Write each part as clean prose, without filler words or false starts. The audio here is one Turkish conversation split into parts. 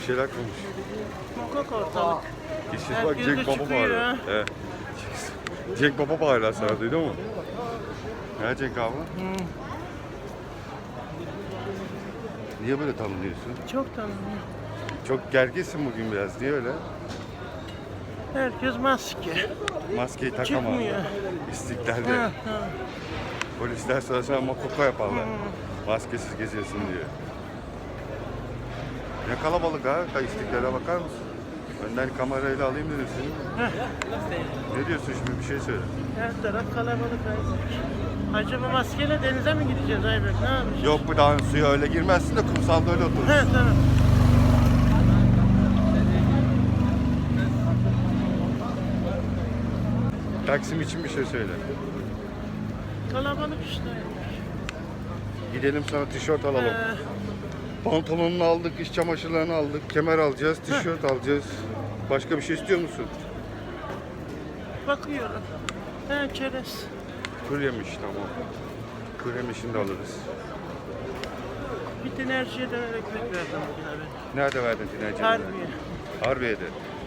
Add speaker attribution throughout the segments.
Speaker 1: Bir şeyler konuş.
Speaker 2: Sokak ortalık.
Speaker 1: İşsiz bak
Speaker 2: Herkes
Speaker 1: Cenk
Speaker 2: de
Speaker 1: Baba
Speaker 2: çıkıyor
Speaker 1: bağırıyor.
Speaker 2: ya.
Speaker 1: Evet. Cenk Baba bağırıyor sana, duydun mu? Ne Cenk abi? Niye böyle tanınıyorsun?
Speaker 2: Çok tanınıyor.
Speaker 1: Çok gerginsin bugün biraz. Niye öyle?
Speaker 2: Herkes maske.
Speaker 1: Maskeyi takama.
Speaker 2: Çıkmıyor.
Speaker 1: İstiklalde.
Speaker 2: Ha, ha.
Speaker 1: Polisler sana sana makoko yaparlar. Maskesiz geziyorsun diye. Ne kalabalık ha. İstiklale bakar mısın? Önden kamerayla alayım dedim seni. Ne diyorsun şimdi? Bir şey söyle.
Speaker 2: Her taraf kalabalık Aybek. Acaba maskeyle denize mi gideceğiz Aybek? Ne yapacağız?
Speaker 1: Yok bu daha suya öyle girmezsin de kumsalda öyle oturursun.
Speaker 2: He tamam.
Speaker 1: Taksim için bir şey söyle.
Speaker 2: Kalabalık işte.
Speaker 1: Gidelim sana tişört alalım. Pantolonunu aldık, iç çamaşırlarını aldık, kemer alacağız, tişört alacağız. Başka bir şey istiyor musun?
Speaker 2: Bakıyorum. He çerez.
Speaker 1: Kuru yemiş, tamam. Kuru yemişini de alırız.
Speaker 2: Bir enerjiye döner ekmek verdim bugün abi.
Speaker 1: Nerede verdin dinleyicilerine?
Speaker 2: Harbiye.
Speaker 1: Harbiye'de.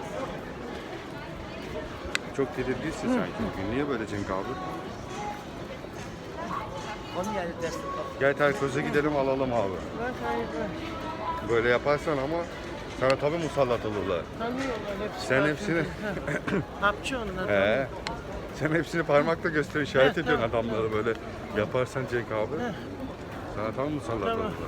Speaker 1: Çok tedirginsin sanki bugün. Niye böyle Cenk abi?
Speaker 2: Onu yani dersin.
Speaker 1: Gel Terkoz'a gidelim alalım abi.
Speaker 2: Bak Aybek.
Speaker 1: Böyle yaparsan ama sana tabii musallat olurlar.
Speaker 2: Tanıyorlar hepsi.
Speaker 1: Sen
Speaker 2: Bak,
Speaker 1: hepsini...
Speaker 2: Hapçı onlar.
Speaker 1: He. Sen hepsini parmakla göster, işaret
Speaker 2: He,
Speaker 1: ediyorsun
Speaker 2: tamam,
Speaker 1: adamlara böyle yaparsan Cenk abi.
Speaker 2: He.
Speaker 1: Sana tam musallat
Speaker 2: Tamam.
Speaker 1: olurlar.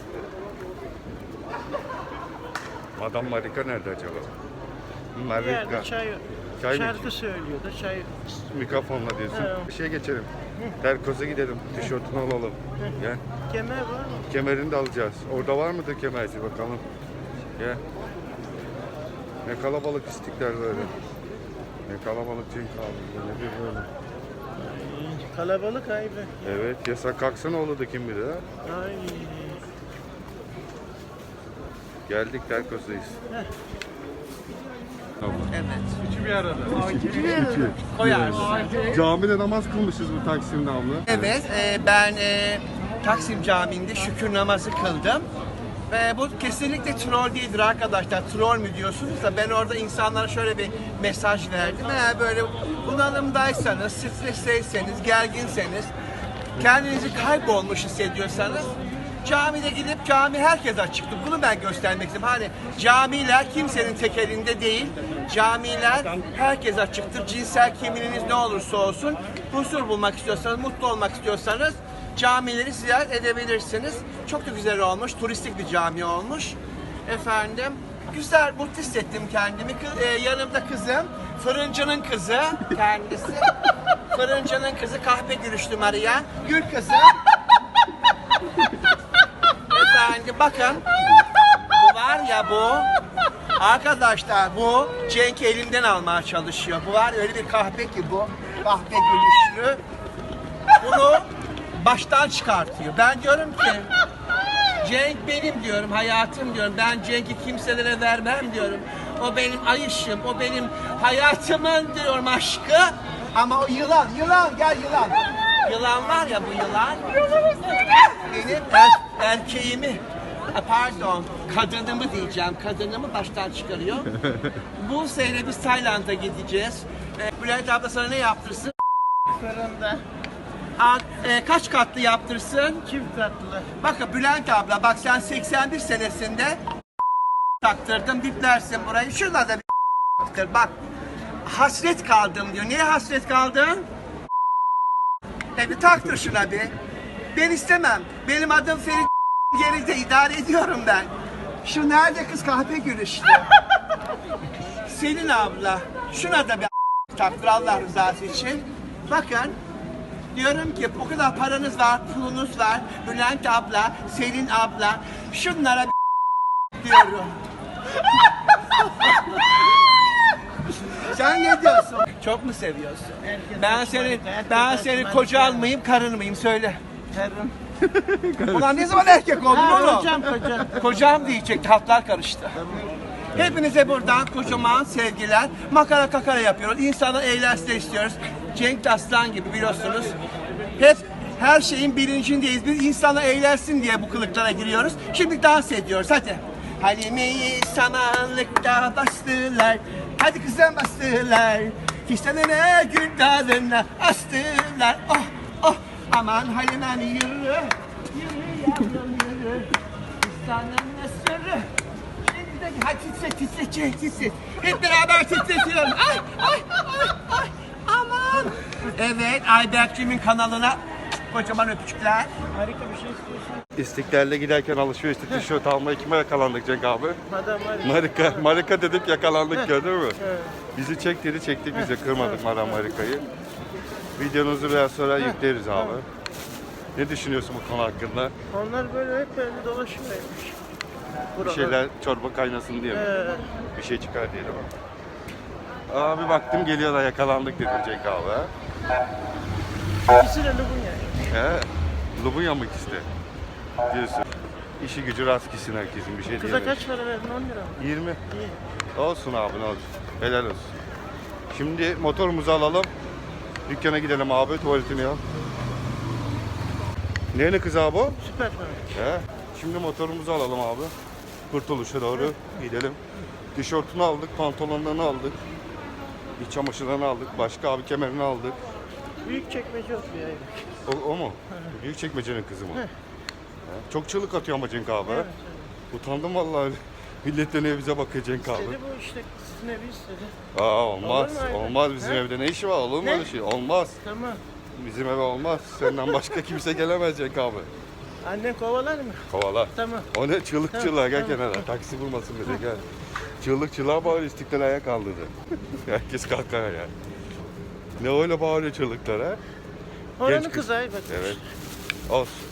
Speaker 1: Madam Marika nerede acaba?
Speaker 2: Bir yerde
Speaker 1: Marika.
Speaker 2: çay,
Speaker 1: Çay mı
Speaker 2: şarkı söylüyor da çay.
Speaker 1: Mikrofonla diyorsun.
Speaker 2: He.
Speaker 1: Bir şey geçelim. Terkoz'a gidelim. Tişörtünü alalım. Gel.
Speaker 2: Kemer var mı?
Speaker 1: Kemerini de alacağız. Orada var mıdır kemerci bakalım. Gel. Ne kalabalık istiklal böyle. Ne kalabalık Cenk abi. Ne bir böyle.
Speaker 2: Kalabalık Aybek.
Speaker 1: Evet, yasak kalksa ne olurdu kim bilir ha?
Speaker 2: Ay.
Speaker 1: Geldik Terkoz'dayız. Camide namaz kılmışız bu Taksim'de abla.
Speaker 3: Evet, ben Taksim Camii'nde şükür namazı kıldım. Ve bu kesinlikle troll değildir arkadaşlar. Troll mü diyorsunuz da ben orada insanlara şöyle bir mesaj verdim. Eğer böyle bunalımdaysanız, stresteyseniz, gerginseniz, kendinizi kaybolmuş hissediyorsanız camide gidip cami herkes açıktır. Bunu ben göstermek istedim. Hani camiler kimsenin tek elinde değil. Camiler herkes açıktır. Cinsel kimliğiniz ne olursa olsun huzur bulmak istiyorsanız, mutlu olmak istiyorsanız camileri ziyaret edebilirsiniz. Çok da güzel olmuş. Turistik bir cami olmuş. Efendim güzel, mutlu hissettim kendimi. Yanımda kızım, fırıncının kızı kendisi. Fırıncının kızı kahpe gülüşlü Maria. Gül kızım. Efendim bakın. Bu var ya bu. Arkadaşlar bu Cenk elimden almaya çalışıyor. Bu var öyle bir kahpe ki bu. Kahpe gülüşlü. Bunu baştan çıkartıyor. Ben diyorum ki Cenk benim diyorum, hayatım diyorum. Ben Cenk'i kimselere vermem diyorum. O benim ayışım, o benim hayatımın diyorum aşkı. Ama o yılan, gel yılan. Yılan var ya bu yılan. Benim erkeğimi, pardon, kadınımı diyeceğim. Kadınımı baştan çıkarıyor. Bu sene biz Tayland'a gideceğiz. Bülent abla sana ne yaptırsın?
Speaker 2: Fırında.
Speaker 3: Kaç katlı yaptırsın?
Speaker 2: Çift katlı.
Speaker 3: Bakın Bülent abla bak sen 81 senesinde taktırdın biplersin burayı. Şurada da bir taktır. Bak hasret kaldım diyor. Niye hasret kaldın? Bir taktır şuna bir. Ben istemem. Benim adım Ferit geride idare ediyorum ben. Şu nerede kız kahpe gülüşlü? Selin abla. Şuna da bir taktır Allah rızası için. Bakın. Diyorum ki o kadar paranız var, pulunuz var. Bülent abla, Selin abla. Şunlara bir diyorum. Sen ne diyorsun? Çok mu seviyorsun? Ben seni koca almayayım, karın mıyım söyle.
Speaker 2: Karım.
Speaker 3: Ulan ne zaman erkek oldun oğlum?
Speaker 2: Kocam.
Speaker 3: Kocam diyecek, hatlar karıştı. Hepinize buradan kocaman sevgiler. Makara kakara yapıyoruz. İnsanlar eğlensin istiyoruz. Cenk Aslan gibi biliyorsunuz. Hep her şeyin bilincindeyiz. Biz insanlar eğlensin diye bu kılıklara giriyoruz. Şimdi dans ediyoruz hadi. Halime'yi samanlıkta bastılar. Hadi kızım bastılar. Fistanına gül dalına astılar. Oh oh aman Halime'm yürü. Yürü yavrum yürü. Fistanına sürü. Şimdi de hadi titre. Hep beraber titretiyorum. Ay ay ay ay aman. Evet Ayberk'cimin kanalına kocaman öpücükler.
Speaker 2: Harika bir şey istiyorsun.
Speaker 1: İstiklal'de giderken alışverişte tişört almaya kime yakalandık Cenk abi?
Speaker 2: Madam var.
Speaker 1: Marika dedik yakalandık gördün mü?
Speaker 2: Evet.
Speaker 1: Bizi çek dedi çektik biz de kırmadık Madam Marika'yı. Videonuzu biraz sonra yükleriz abi. Ne düşünüyorsun bu konu hakkında?
Speaker 2: Onlar böyle hep böyle dolaşıyormuş.
Speaker 1: Bir şeyler çorba kaynasın diye mi? Bir şey çıkar diye değil mi? Abi baktım geliyorlar yakalandık dedi Cenk abi. Ha?
Speaker 2: İkisi de Lubunya.
Speaker 1: He? Lubunya mı ikisi de? Diyorsun. İşi gücü rast gitsin herkesin bir şey
Speaker 2: Kıza
Speaker 1: diyemeyiz.
Speaker 2: kaç para verdin? 10 lira mı?
Speaker 1: 20.
Speaker 2: İyi.
Speaker 1: Olsun abi ne olsun. Helal olsun. Şimdi motorumuzu alalım. Dükkana gidelim abi tuvaletini yap. Ne kız abi o?
Speaker 2: Süper para.
Speaker 1: He. Şimdi motorumuzu alalım abi. Kurtuluşa doğru gidelim. Tişörtünü aldık, pantolonlarını aldık. İç çamaşırlarını aldık. Başka abi kemerini aldık.
Speaker 2: Büyük çekmece oturuyor Aybek.
Speaker 1: O mu? Büyük çekmecenin kızı mı? He. Çok çığlık atıyor ama Cenk abi.
Speaker 2: Evet,
Speaker 1: Utandım vallahi. Millet dönüyor bize bakıyor Cenk abi.
Speaker 2: Dedi bu işte sizin evi istedi.
Speaker 1: Olmaz.
Speaker 2: Olur mu Aybek?
Speaker 1: Olmaz bizim
Speaker 2: He?
Speaker 1: evde ne işi var? Olur mu
Speaker 2: Ne?
Speaker 1: öyle şey? Olmaz.
Speaker 2: Tamam.
Speaker 1: Bizim eve olmaz. Senden başka kimse gelemez Cenk abi.
Speaker 2: Annen kovalar mı?
Speaker 1: Kovala.
Speaker 2: Tamam.
Speaker 1: O ne çığlık
Speaker 2: Tamam,
Speaker 1: çığlığa gel
Speaker 2: tamam.
Speaker 1: kenara. Taksi bulmasın bize gel. Çığlık çığlığa bağırıyor İstiklal ayağa kaldırdı. Herkes kalkar ya. Ne öyle bağırıyor çığlıklar ha?
Speaker 2: Oranın
Speaker 1: Genç kız.
Speaker 2: kızı Aybek.
Speaker 1: Evet. Olsun.